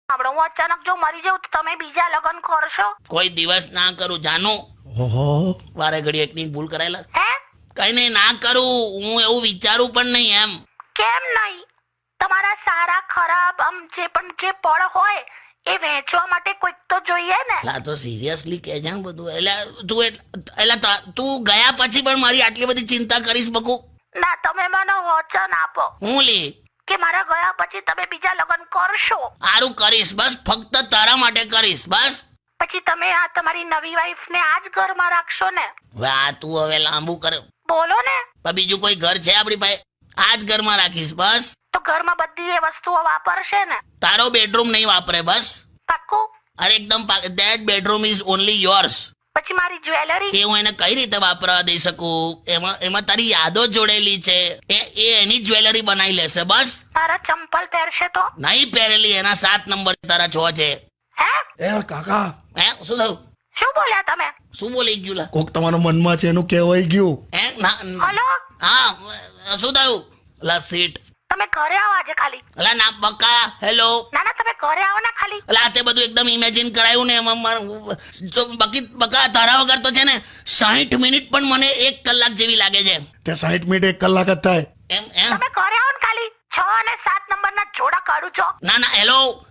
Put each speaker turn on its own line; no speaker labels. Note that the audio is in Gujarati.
આપણે હું અચાનક જો મરી જાઉં તો તમે બીજા લગ્ન કરશો?
કોઈ દિવસ ના કરું જાનું. વારે ઘડી એકની ભૂલ કરાયેલા.
હે?
કઈ નહીં, ના કરું. હું એવું વિચારું પણ નહીં એમ.
કેમ નહીં? તમારા સારા ખરાબ આમ જે પણ જે પળ હોય એ વહેંચવા માટે કોઈક તો જોઈએ ને.
લા તો સિરિયસલી કે છે બધું. એટલે તું ગયા પછી પણ મારી આટલી બધી ચિંતા કરીશ બકુ?
ના, તમે મને વચન આપો
હું લી
કે મારા ગયા પછી તમે બીજા લગ્ન કરશો.
સારું કરીશ, બસ ફક્ત તારા માટે કરીશ બસ.
પછી તમે આ તમારી નવી વાઈફ ને આ જ ઘરમાં રાખશો ને?
હવે આ તું હવે લાંબુ કર.
બોલો ને.
પણ બીજું કોઈ ઘર છે આપણી પાસે? આ જ ઘરમાં રાખીશ બસ.
તો ઘરમાં બધી એ વસ્તુઓ વાપરશે ને?
તારો બેડરૂમ નહીં વાપરે બસ.
પાક્કું?
અરે એકદમ that bedroom is only yours.
પછી મારી જ્વેલરી?
એ હું એને કઈ રીતે વાપરવા દઈ શકું? એમાં તારી યાદો જોડેલી છે. એ એની જ્વેલરી બનાવી લેશે બસ.
મારા ચંપલ પહેરશે તો?
નહીં પહેરેલી, એના 7 નંબર તારા 6 છે.
હે?
એ કાકા,
હે શું થયું?
શું બોલ્યા તમે?
શું બોલી ગયું લા?
કોક તમારા મનમાં છે એનું કહેવાય ગયું.
હે ના
હલો,
હા શું થયું? લા સીટ.
તમે ઘરે આવો આજે ખાલી.
અલા ના બકા. હેલો.
ના ના, તમે ઘરે આવો ને ખાલી.
અલા તે બધું એકદમ ઇમેજિન કરાયું ને એમાં તો બકા તારા વગર તો છે ને 60 મિનિટ પણ મને 1 કલાક જેવી લાગે છે.
તે 60 મિનિટ 1 કલાક જ થાય.
એમ એમ
તમે ઘરે આવો ને ખાલી. 6 અને 7 નંબરના જોડા કાઢું છો.
ના હેલો